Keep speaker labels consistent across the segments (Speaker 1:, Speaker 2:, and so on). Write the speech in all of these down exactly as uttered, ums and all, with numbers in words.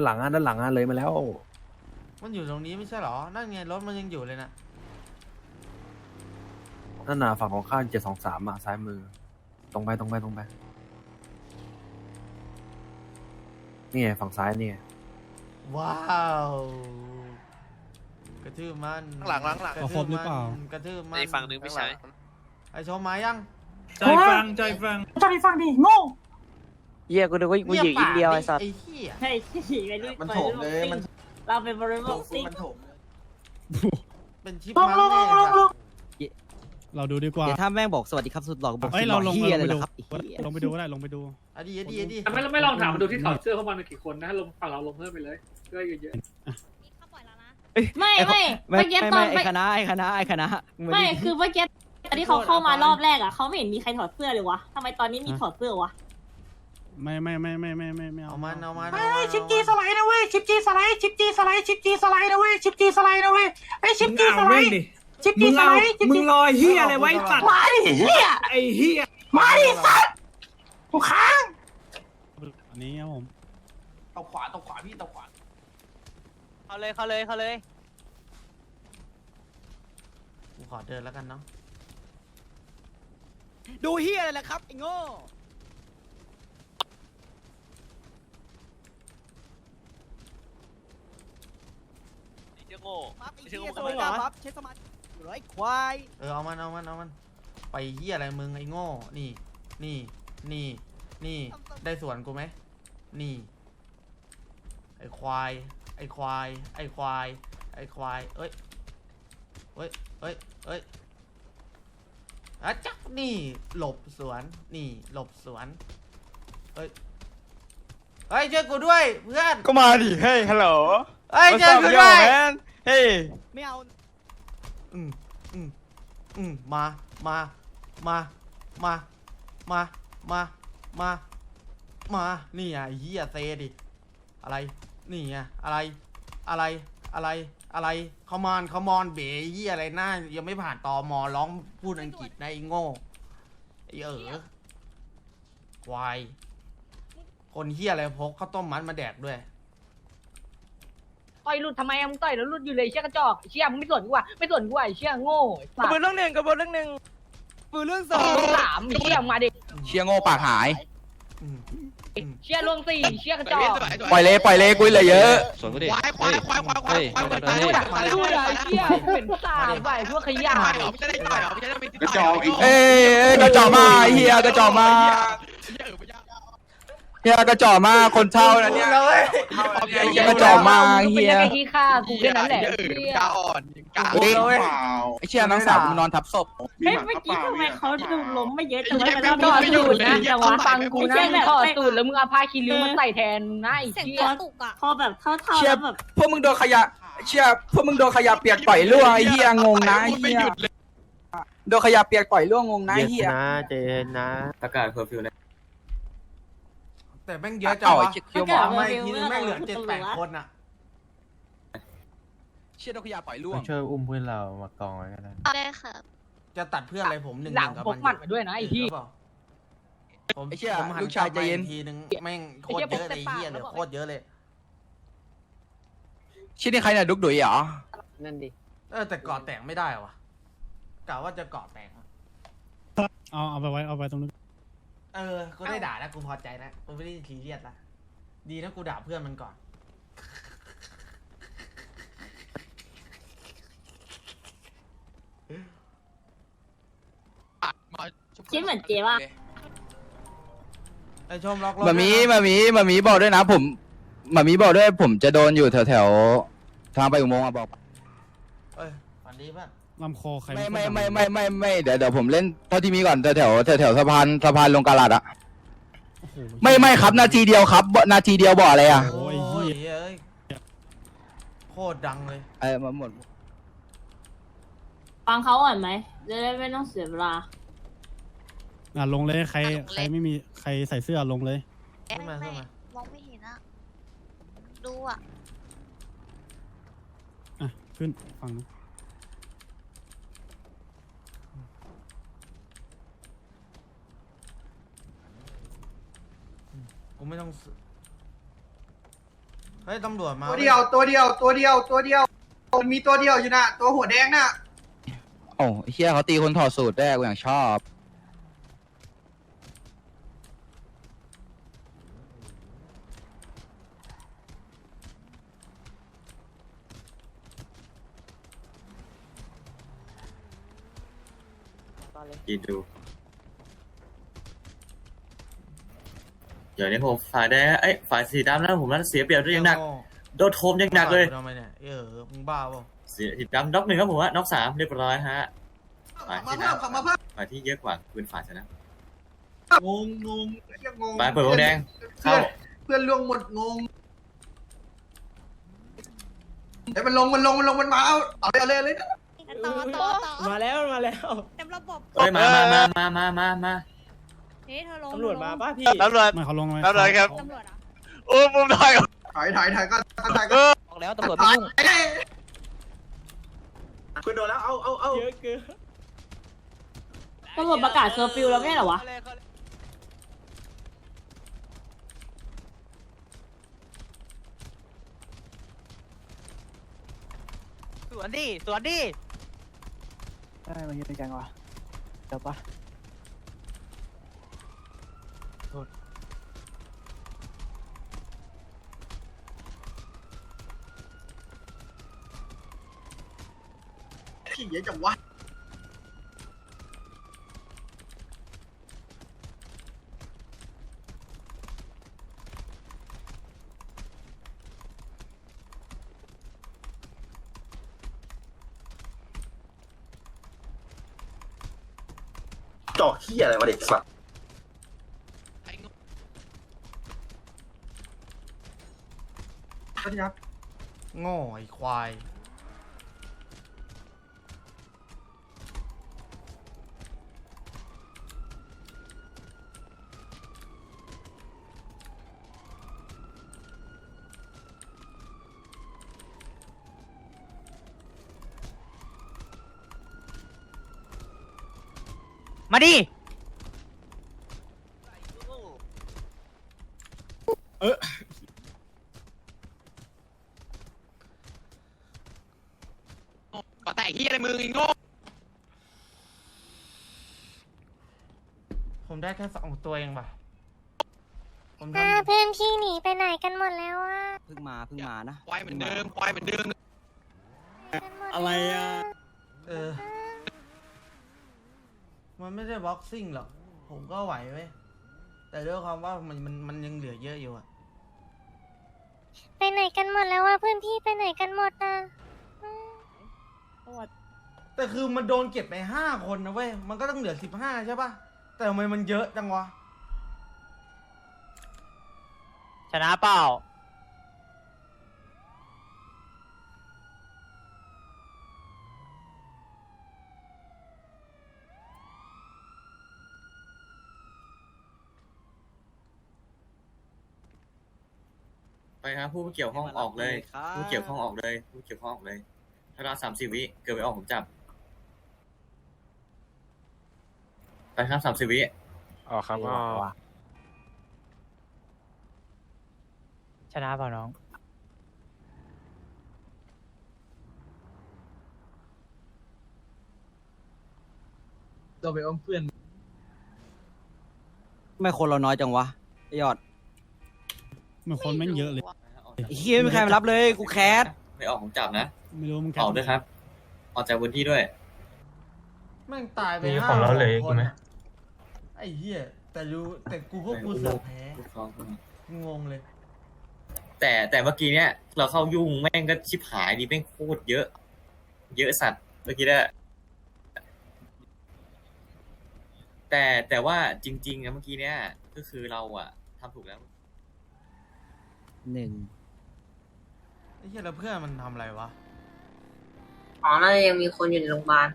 Speaker 1: หลังอ่ะด้านหลังอ่ะเลยมาแล้ว
Speaker 2: มันอยู่ตรงนี้ไม่ใช่หรอนั่นไงรถมันยังอยู่เลยนะ
Speaker 1: นั่นน่ะฝั่งของข้างเจ็ดสองสามอ่ะซ้ายมือตรงไปตรงไปตรงไปนี่ไงฝั่งซ้ายนี่ไง
Speaker 2: ว้าวกระทืบมัน
Speaker 3: หลังหลังหลัง
Speaker 2: กระทืบมันกระทืบมัน
Speaker 3: ไอ้ฝั่งนึงพี่ชาย
Speaker 2: ไอชมมายัง
Speaker 4: ใจฟังใจฟัง
Speaker 5: ใจฟังดิโง่
Speaker 6: เหี้ยกูนึกว่ากูอยู่อินเดียไอ้สัตว์
Speaker 2: ไอ้เหี้ย
Speaker 5: เฮ้ยขี่ไปรุ่น
Speaker 7: มันโถมเลยมัน
Speaker 5: เราเป็นบริบทซิ่ง
Speaker 7: มันโถมเลย
Speaker 2: เป็นชิป
Speaker 5: ลง
Speaker 2: มัน
Speaker 5: ลงล
Speaker 2: แน่
Speaker 5: งลงลง
Speaker 4: เราดูดีกว่า
Speaker 6: เดี๋ยวถ้าแม่งบอกสวัสดีครับสุดหล่อกูบอก
Speaker 4: เฮ้ยเราลง
Speaker 6: เฮีย
Speaker 4: ไป
Speaker 6: เลย
Speaker 4: ดู
Speaker 6: ครับไอ้เหี้ย
Speaker 4: ลงไปดูก็ได้ลงไปดู
Speaker 2: อดีอดีอดี
Speaker 8: ไม่ไม่ลองถามมาดูที่ถอดเสื้อเข้ามากี่คนนะลงฝั่งเราลงเพิ่มไปเลยเสื้อเยอะ
Speaker 5: ไม่ไม่
Speaker 6: ไม่
Speaker 5: เมื่อกี้
Speaker 6: ไม่
Speaker 5: ตอน
Speaker 6: ไม่ไอ้คณะไอ้คณะไอ้คณะง
Speaker 5: ไม่คือเมื่อกี้ตอนที่เขาเข้ามารอบแรกอ่ะเขาไม่เห็นมีใครถอดเสื้อเลยวะทำไมตอนนี้มีถอดเสื้อวะ
Speaker 4: ไม่ไม่ไม่ไม่ไม่ไม่ไม่เอา
Speaker 2: เอามันเอามัน
Speaker 5: เฮ้ยชิปจีสไลด์นะเว้ยชิปจีสไลด์ชิปจีสไลด์ชิปจีสไลด์นะเว้ยชิปจีสไลด์นะเว้ยไอ้ชิปจีสไลด์ชิปจีสไลด์ชิป
Speaker 4: มึ
Speaker 5: จี
Speaker 4: งรอเฮียอะไรไว้สัตว์
Speaker 5: มาดิเฮีย
Speaker 4: ไอ้เฮีย
Speaker 5: มาดิสัตว์กูค้าง
Speaker 4: อันนี้ครับผม
Speaker 7: ตบขวาตบขวาพี่ตบขวา
Speaker 6: เขาเลยเขาเลยเขาเลย
Speaker 2: กูขอเดินแล้วกันเนาะ
Speaker 6: ดูเฮียอะไรล่ะครับไอ้โง่
Speaker 3: เจ้าโง่
Speaker 6: ปั๊บไอ้เฮียสมัยดาปั๊บใช้สมาธิอยู่ร้อยควาย
Speaker 2: เออเอามันเอามันเอามันไปเหี้ยอะไรมึงไอ้โง่นี่นี่นี่นี่ได้ส่วนกูไหมนี่ไอ้ควายไอ้ควายไอ้ควายไอ้ควายเอ้ยเอ้ยเอ้ยเอ้ยอะจักนี่หลบสวนนี่หลบสวนเฮ้ยเฮ้ยช่วยกูด้วยเพื่อน
Speaker 7: ก็มาดิเฮ้ยฮัลโหล
Speaker 2: เฮ้ยช่วยกูด้วย
Speaker 7: เฮ้ย
Speaker 6: ไม่เอา
Speaker 2: อืมอืมอืมมามามามามามามามานี่อ่ะไอ้เหี้ยเซดิอะไรนี่ไงอะไรอะไรอะไรอะไรคอมอนคอมอนเบ๋เหี้ยอะไรหน้ายังไม่ผ่านตอมอร้องพูดอังกฤษนะไอ้โง่ไอ้เอ๋อควายคนเหี้ยอะไรพกข้าวต้มมัดมาแดกด้วย
Speaker 5: ต่อยหลุดทำไมมึงต่อยแล้วหลุดอยู่เลยเชี่ยกระจอกเชี่ยมึงไม่สนกูอ่ะไม่สนกูอ่ะเชี่ยโง่
Speaker 6: กระเบื้องเรื่องหนึ่งกระเบื้องเรื่องหนึ่งกระเบื้องเรื่องสอง
Speaker 5: สามเชี่ยมาดิ
Speaker 7: เชียโง่ปากหาย
Speaker 2: อืม
Speaker 5: เชี่ยลงสี่เชี่ยกระจอก
Speaker 7: ปล่อยเลยปล่อยเลยกุยเหลือเยอะ
Speaker 3: สวนกูดิ
Speaker 7: ควายควายควายควายควายควาย
Speaker 3: เฮ้ย
Speaker 5: มาดูอะไรเชี่ยเป็นสามใบพวกขยะ
Speaker 7: กระจอกเอ้ยกระจอกมาเฮียกระจอกมาเฮียกระจอกมาคนเช่านะเนี่ยเฮียกระจอกมาเฮีย
Speaker 5: เป็นขี้ข้ากูแค่นั้นแหละเชี่ย
Speaker 7: เฮ้ยไอเชี่ยน้องสาวมึงนอนทับศพ
Speaker 5: เฮ้ยเมื่อกี้ทำไมเขาดูล้มไม่เยอะจังวะแล้วต่อสูตรนะแต่ว่าฟังกูนะมึงถอดสูตรแล้วมึงเอาผ้าคีริ้วมาใส่แทนนะไอ้เชี่ยพอแบบเท่าๆ
Speaker 7: เชี่ย
Speaker 5: แล้วแบบ
Speaker 7: พวกมึงโดนขยะเชี่ยพวกมึงโดนขยะเปียกต่อยล่วงไอ้เฮียงงนะไอ้เฮียโดนขยะเปียกต่อยล่วงงงนะไอ้เฮีย
Speaker 1: นะเจนนะประกาศเคอร์ฟิวเลย
Speaker 2: แต่แม่งเยอะจังวะ
Speaker 7: เชี่ย
Speaker 2: ถามมาอีกทีนึงแม่งเหลือเจ็ดแปดคนอ่ะ
Speaker 7: เชี่ยโดนขยะต่อยล่วง
Speaker 1: ช่วยอุ้มเพื่อนเรามากองไว้ก็ได้
Speaker 9: ได้ค่ะ
Speaker 2: จะตัดเพื่อนอะไรผมหนึ่ง
Speaker 5: หลัง
Speaker 2: กับ
Speaker 5: พกหมัดมาด้วยนะไอ้ที่
Speaker 2: ผม
Speaker 7: ไอ้เชี่ย
Speaker 2: ผมหัน
Speaker 7: ลูกชายใจเย็น
Speaker 2: กลับมาอีกทีนึงแม่งโคตรเยอะเลยไอ้เฮียเหลือโคตรเยอะเลย
Speaker 7: เชี่ยนี่ใครเนี่ยดุกดุยเหรอ
Speaker 6: นั่นดิ
Speaker 2: เออแต่เกาะแตกไม่ได้วะกะว่าจะเกาะแตกอะ
Speaker 4: เอาเอาไปไว้เอาไปตรงนู้น
Speaker 2: เออกูได้ด่าแล้วกูพอใจแล้วกูไม่ได้ทีเรียสละดีนะกูด่าเพื่อนมันก่อน
Speaker 5: คิดเหมือนเจ๊ว่า
Speaker 2: ไอชมล็อกรถ
Speaker 7: มามี
Speaker 2: ด้วยนะ
Speaker 7: มามีมามีบอกด้วยนะผมมามีบอกด้วยผมจะโดนอยู่แถวแถวๆทางไปอุโมงค์อะบอก
Speaker 2: เอ้ยฝันดีเพื่อน
Speaker 4: ลำคอใคร
Speaker 7: ไม่ไม่ไม่ไม่ไม่ไม่เดี๋ยวเดี๋ยวผมเล่นเท่าที่มีก่อนแถวแถวแถวแถวสะพานสะพานลงกาลาดอะไม่ไม่ครับนาทีเดียวครับนาทีเดียวบอกอะไรอะ
Speaker 4: โอ้ย
Speaker 2: โอ้
Speaker 4: เฮี
Speaker 2: ย
Speaker 4: ย
Speaker 2: เอ้ยโคตรดังเลย
Speaker 7: เออมาหมด
Speaker 5: ฟังเขาก่อนไหมจะได้ไม่ต้องเสียเวลา
Speaker 4: อ่ะลงเลยใครใครไม่มีใครใส่เสื้อลงเลย
Speaker 2: ขึ้นมาขึ้นมา
Speaker 9: มองไม่เห็นอะดูอะ
Speaker 4: อ่ะขึ้นฝั่งนู้น
Speaker 2: กูไม่ต้องสฮ้ยตำรวจมา
Speaker 6: ตัวเดียวตัวเดียวตัวเดียวตัวเดียวมันมีตัวเดียวอยู่น่ะตัวหัวแดงน่ะ
Speaker 7: โอ้ไอ้เฮียเขาตีคนถอดสูตรได้กูอย่างชอบ
Speaker 10: กินดูเดี๋ยวนี้ผมฝ่ายแดงไอ้ยฝ่ายสีดำแล้วผมนั้นเสียเปรียบด้วยยังหนักโดนโทมยังหนักเลย
Speaker 2: ทำไมเนี่ยเออมึงบ้าเปล่า
Speaker 10: เสียสีดำน็อกหนึ่งครับผมว่าน็อกสามเรียบร้อยฮะฝ่าย
Speaker 6: มา
Speaker 10: สีด
Speaker 6: เพิ่มขับมาเพิ่ม
Speaker 10: ำฝ่ายที่เยอะกว่าปืนฝ่ายชนะ
Speaker 6: งงงงเหี้ยงง
Speaker 10: ฝ่ายเปิดวงแดง
Speaker 6: เพื่
Speaker 10: เข้า
Speaker 6: อนเพื่อนล่วงหมดงงเดี๋ยวมันลงมันลงมันลงมันมาเอาเอาเลยเอาเลยเอาเลย
Speaker 9: ต่อต่อต่อ
Speaker 6: มาแล้วมาแล้ว
Speaker 9: เต็มระบบ
Speaker 10: เฮ้ยมามามามามามามา
Speaker 9: เฮ้ยเธอลง
Speaker 6: ตำรวจมาป่ะพี่
Speaker 3: ตำรวจ
Speaker 4: ไม่เขาลงไหม
Speaker 3: ตำรวจครับ
Speaker 9: ตำรวจเหรอ
Speaker 3: โอ้มุมถอย
Speaker 6: ถ่ายถ่ายถ่ายก็ถ่ายก็ บอกแล้วตำรวจไม่ยุ่ง
Speaker 8: คุณโดนแล้วเอาเอาเอา
Speaker 6: เยอะเกิน
Speaker 5: ตำรวจประกาศเคอร์ฟิวแล้วไม่ใช่เหรอวะ
Speaker 6: สวนดิสวนดิ
Speaker 1: ได้มาเยอะจังวะเดี๋ยวปะ
Speaker 6: ขี้เยอะจังวะ
Speaker 8: จอกขี้อะไรมาเด็กสัตว์
Speaker 2: โง่ไอ้ควายมาดิก็แต่ที่อะไรมืออีโง่ผมได้แค่สองตัวเองป่ะผม
Speaker 9: อ่า
Speaker 6: ทำ
Speaker 9: เพื่อนพี่หนีไปไหนกันหมดแล้วอ่ะ
Speaker 6: เพิ่งมาเพิ่งมานะ
Speaker 3: ปล่อยเหมือนเดิมปล่อยเหมือนเดิม
Speaker 4: อะไรอ่ะ
Speaker 2: เออ มันไม่ได้บ็อกซิ่งหรอก ผมก็ไหวเว้ย แต่ด้วยความว่ามันมันมันยังเหลือเยอะอยู่อะ
Speaker 9: ไปไหนกันหมดแล้วอ่ะเพื่อนพี่ไปไหนกันหมดอ่ะอืม
Speaker 2: แต่คือมันโดนเก็บไปห้าคนนะเว้ย มันก็ต้องเหลือสิบห้าใช่ปะแต่ทำไมมันเยอะจังวะ
Speaker 6: ชนะเปล่า
Speaker 10: ไปครับผู้เกี่ยวข้องออกเลย ผู้เกี่ยวข้องออกเลยผู้เกี่ยวข้องออกเลยถ้าเราสามสิบวิเกิดไปออกผมจับไปครับสามสิบวิ
Speaker 1: อ๋อครับอ๋อ
Speaker 6: ชนะเปล่าน้องตัวไปอ้อมเพื่อน
Speaker 11: ไม่คนเราน้อยจังวะไอ้ยอด
Speaker 4: เหมือนคนแม่งเยอะเลย
Speaker 11: ไอ้เฮียไม่มีใครมารับเลยกูแคส
Speaker 10: ไม่ออกผมจับนะ
Speaker 4: ไม่รู้มึงแค
Speaker 10: ออกด้วยครับ ออกจากพื้นที่ด้วย
Speaker 2: แม่งตายไปห้าคนอะไอ้เหี้ย แต่รู้แต่กูพวกกูเสือกแพ้ งงเลย
Speaker 10: แต่แต่เมื่อกี้เนี้ยเราเข้ายุ่งแม่งก็ชิบหายดีแม่งโคตรเยอะ เยอะสัตว์เมื่อกี้ได้แต่แต่ว่าจริงๆนะเมื่อกี้เนี้ยก็คือเราอะทำถูกแล้ว
Speaker 11: หนึ่ง
Speaker 2: ไอ้เหี้ยแล้วเพื่อนมันทำอะไรวะ
Speaker 5: อ๋อน่าจะยังมีคนอยู่ในโรงพยาบาล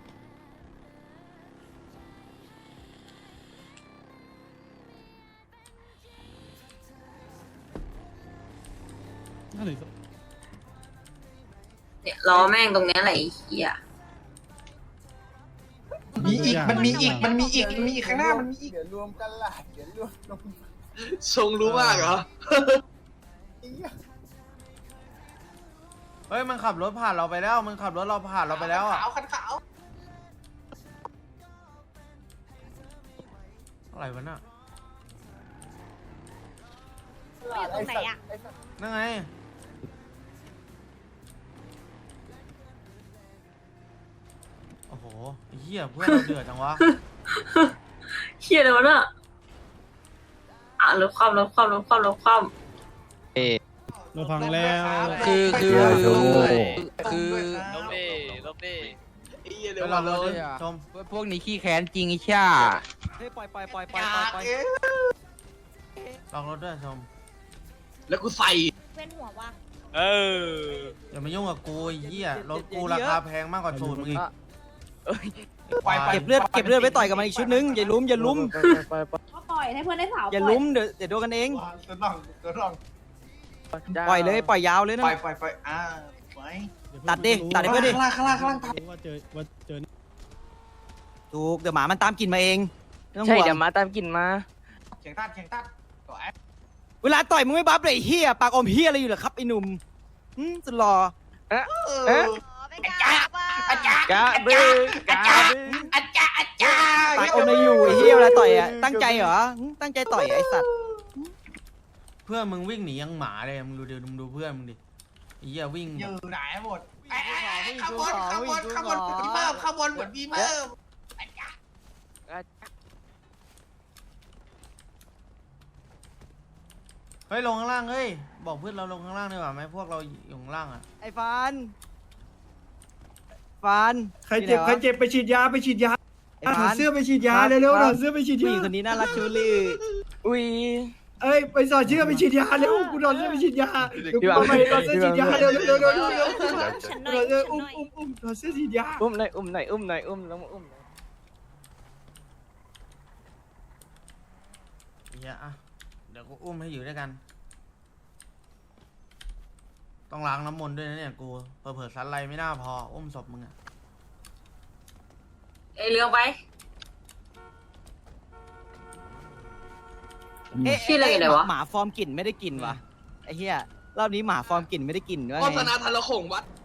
Speaker 4: น่าเหลือ
Speaker 5: เนี่ยล้อแม่งตรงเนี้ยแหละไอ้เหี้ย
Speaker 6: มีอีกมันมีอีกมันมีอีกมันมีอีกข้างหน้ามันมีอีก
Speaker 8: เดี๋ยวรวมกันล่ะเดี๋ยวรวม
Speaker 6: ทรงรู้มากเหรอ
Speaker 2: เฮ้ยมันขับรถผ่านเราไปแล้วมันขับรถเราผ่านเราไปแล้วอ่ะ
Speaker 6: ขาวคันขาว
Speaker 2: อะไรวะน่ะ
Speaker 9: อยู่ตรงไหนอ่ะ
Speaker 2: นั่นไงโอ้โหไอ้เหี้ยเพื่อนเราเดือดจังวะ
Speaker 5: เฮียเลยวะน่ะอ่ะลบความลบความลบความลบความ
Speaker 4: เราพังแล้ว
Speaker 7: คือคือ คือ
Speaker 3: ลบดิลบดิ
Speaker 2: ไปรอรถดิชม
Speaker 7: พวกนี้ขี้แค้นจริงไอ้ช่า
Speaker 11: เฮ้ยปล่อยปล่อยปล่อยปล่อยปล่อยปล่อย
Speaker 2: ลองรถด้วยชม
Speaker 3: แล้วกูใส่
Speaker 9: เว้นหัววะ
Speaker 3: เออ
Speaker 2: อย่ามายุ่งกับกูไอ้เหี้ยรถกูราคาแพงมากกว่าสูตรมึงอีก
Speaker 11: เก็บเลือดเก็บเลือดไว้ต่อยกับมันอีกชุดนึงอย่าลุ้มอย่าลุ้ม
Speaker 5: ก็ปล่อยให้เพื่อนได้เผา
Speaker 11: อย่าลุ้มเดี๋ยวเดี๋ยวโดนกันเอง
Speaker 6: ตัวน้องตัวน้อง
Speaker 11: ปล่อยเลยปล่อยยาวเลยนะ
Speaker 6: ไปไปไปอ่าไป
Speaker 11: ตัดดิตัดให้เพื่อนดิ
Speaker 6: ข้างล่างข้างล่างข้างล่าง
Speaker 4: ว่าเจอว่าเจอ
Speaker 11: ถูกเดี๋ยวหมามันตามกลิ่นมาเองไม่ต้อง
Speaker 7: ใช่
Speaker 11: ห่วง
Speaker 7: เดี๋ยวมาตามกินมา
Speaker 6: เขียงตัดเขียงตัดต่อแอป
Speaker 11: เวลาต่อยมึงไม่บัฟเลยไอ้เฮียปากอมเฮียอะไรอยู่เหรอครับไอ้หนุ่มหืมสุดหล่อ
Speaker 6: เออ
Speaker 9: อาจารย์อาจารย์
Speaker 7: กะบึ้งกะบึ้ง
Speaker 6: อาจารย์อาจารย์
Speaker 11: ปากอมอะไรอยู่ไอ้เฮียเวลาต่อยอ่ะตั้งใจเหรอหืมตั้งใจต่อยไอ้สัตว์
Speaker 2: เพื่อนมึงวิ่งหนียังหมาเลยมึงดูเดี๋ยวมึงดูเพื่อนมึงดิไอ้เหี้ยวิ่ง
Speaker 6: อยู่ไหนหมดข้างบนข้างบนข้างบนเหมือนมีเพิ่มข้างบนเหมือนมีเพิ่ม
Speaker 2: เฮ้ยลงข้างล่างเฮ้ยบอกเพื่อนเราลงข้างล่างดีกว่าไหมพวกเราอยู่ข้างล่างอ่ะ
Speaker 11: ไอ้ฟานฟาน
Speaker 6: ใครเจ็บใครเจ็บไปฉีดยาไปฉีดยา
Speaker 11: ไอ้ฟาน
Speaker 6: เสื้อไปฉีดยาเร็วๆถอดเสื้อไปฉีด
Speaker 11: ผู้ห
Speaker 6: ยา
Speaker 11: ญิงคนนี้น่ารักชูลี่
Speaker 7: อุ้ย
Speaker 6: เอ้ยไปสอดเสื้อไปฉีดยาเร็วกูถอดเสื้อไปฉีดยาเดี๋ยวกูเอาไปถอดเสื้อฉีดยาเร็วเร็วเร็วเร็วเร็ว
Speaker 9: ฉันห
Speaker 6: ถ
Speaker 9: น่
Speaker 6: อ
Speaker 9: อ
Speaker 6: ดเสื้อย
Speaker 9: ฉัน
Speaker 6: อุ้ม
Speaker 9: หน่อย
Speaker 6: อุ้มอุ้มถอดเสื้อฉีดยา
Speaker 7: อุ้มหน่อยอุ้มหน่อยอุ้มหน่อยอุ้มลงมาอุ้มหน่อย
Speaker 2: ไอ้เหี้ยอ่ะเดี๋ยวกูอุ้มให้อยู่ด้วยกัน ต้องล้างน้ำมนต์ด้วยนะเนี่ยกูเผลอๆสันไรไม่น่าพออุ้มศพมึงอ่ะ
Speaker 5: ไอเรื่องไป
Speaker 11: เอ๊ะ
Speaker 5: ชื่ออะไรเนี่ยวะ
Speaker 11: หมาฟอร์มกลิ่นไม่ได้กลิ่นวะไอ้เหี้ยรอบนี้หมาฟอร์มกลิ่นไม่ได้กลิ่นด้วย
Speaker 3: โฆ
Speaker 11: ไง
Speaker 3: ษณาทะละขงวัด